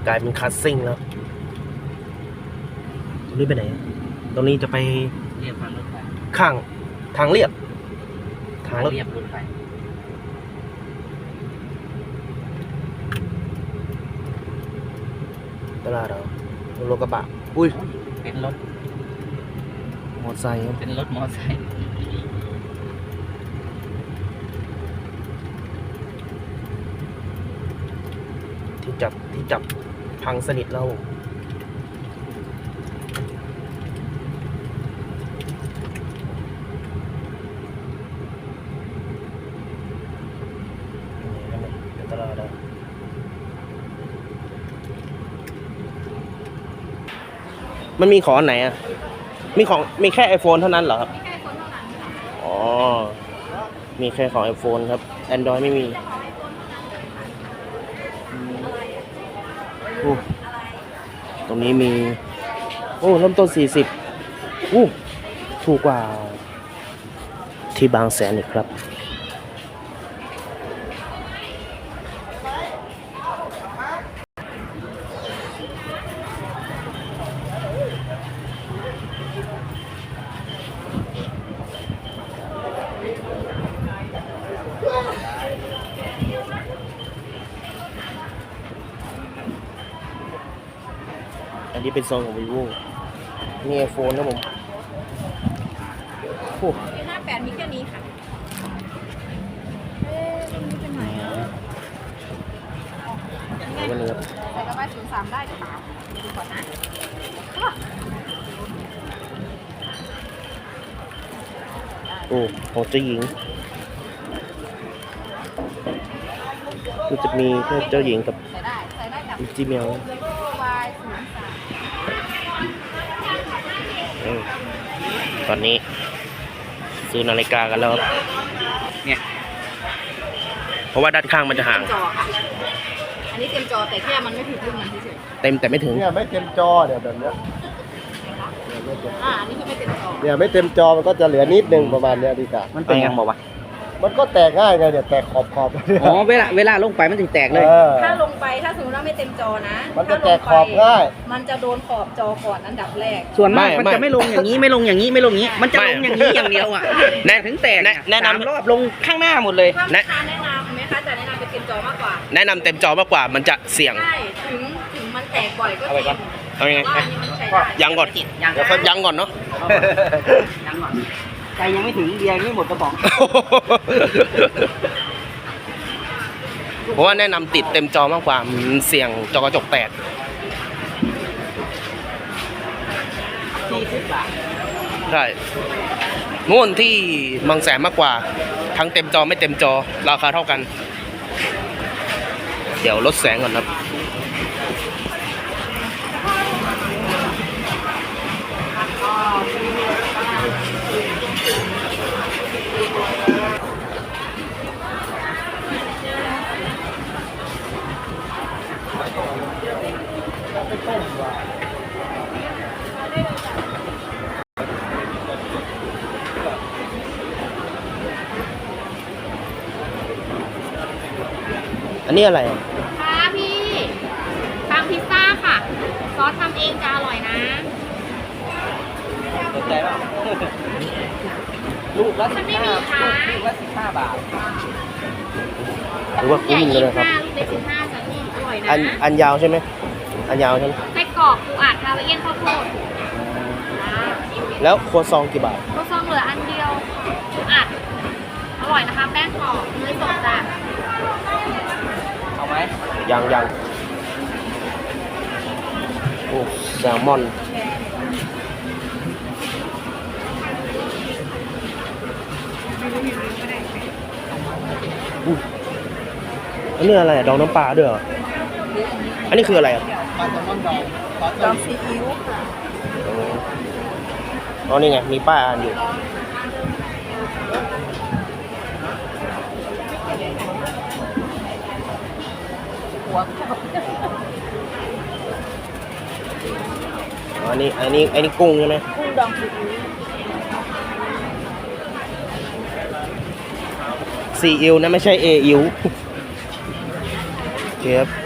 กลายเป็นคัสซิ่งแล้วนี่ไปไหนตรงนี้จะไปเรียบทางรถไฟข้างทางเรียบเรียบรถไฟตลาดเหรอรถกระบะอุ้ยเป็นรถมอเตอร์ไซค์ครับเป็นรถมอเตอร์ไซค์ที่จับพังสนิทแล้วตลาดเหรอมันมีของอันไหนอ่ะมีแค่ iPhone เท่านั้นเหรอครับอ๋อมีแค่ของ iPhone ครับ Android ไม่มีตรงนี้มีเริ่มต้น40ถูกกว่าที่บางแสนอีกครับอันนี้เป็นโซนของ vivo นี่ iPhone นะผม 58มีแค่นี้ค่ะมันเป็นไหนอ่ะวันนี้ใส่กระบะ03ได้หรือเปล่าดูก่อนนะของเจ้าหญิงมันจะมีแค่เจ้าหญิงกับใส่ได้กับจิเมล ตอนนี้ซื้อนาฬิกากันแล้วเนี่ยเพราะว่าด้านข้างมันจะห่างจอค่ะอันนี้เต็มจอแต่แค่มันไม่ถึงรุ่นมันเฉยเต็มแต่ไม่ถึงเนี่ยไม่เต็มจอเนี่ยแบบเนี้ยอันนี้คือไม่เต็มจอเนี่ยไม่เต็มจอมันก็จะเหลือนิดนึงประมาณเนี้ยดีกว่ามันเป็นยังบอกว่ามันก็แตกง่ายไงเนี่ยแตกขอบเนี่ยอ๋อเวลาลงไปมันถึงแตกเลยถ้าลงไปถ้าสมมติว่าไม่เต็มจอนะมันจะแตกขอบง่ายมันจะโดนขอบจอก่อนอันดับแรกส่วนมากไม่มันจะไม่ลงอย่างนี้ไม่ลงอย่างนี้ไม่ลงอย่างนี้ มันจะลงอย่างนี้อย่างเดียวอ่ะถึงแตกแนะนำ 3 รอบลงข้างหน้าหมดเลยถ้าลูกค้าแนะนำไหมคะจะแนะนำเป็นเต็มจอมากกว่าแนะนำเต็มจอมากกว่ามันจะเสี่ยงใช่ถึงมันแตกบ่อยก็จริงเอายังไงว่าอันนี้มันใช้ได้ยังก่อนยังเดี๋ยวค่อยยังก่อนเนาะยังก่อนใจยังไม่ถึงเบียร์ไม่หมดกระบอกเพราะว่าแนะนำติดเต็มจอมากกว่ามันเสี่ยงจอกระจกแตก 40 บาทใช่นู่นที่บางแสนมากกว่าทั้งเต็มจอไม่เต็มจอราคาเท่ากัน เดี๋ยวลดแสงก่อนครับอันนี้อะไรอ่ะค่ะพี่ปังพิซซ่าค่ะ ซอสทำเองจะอร่อยนะสนใจเปล่าลูกละมันไม่มีค่ะลูกละ15 บาทหรือว่าคุ้มเลยนะครับลูกเล็ก15จ้ะพี่อร่อยนะอันยาวใช่ไหมอันยาวใช่ไหมไส้กรอกปูอัดคาราเอียนข้าวโพดแล้วโครัวซองกี่บาทก็ซองเหลืออันเดียวปูอัดอร่อยนะคะ แป้งกรอบเนยสดจ้ะเอาไหมยังโอ้แซลมอนอันนี้อะไรอะดองน้ำปลาด้วยเหรออันนี้คืออะไรอ่ะปลาแซลมอนดองซีอิ๊วค่ะอ๋อนี่ไงมีป้ายอ่านอยู่อันนี้กุ้งใช่ไหมกุ้งดองซีอิ๊วซีอิ๊วนะไม่ใช่เออิ๊วโอเคครับ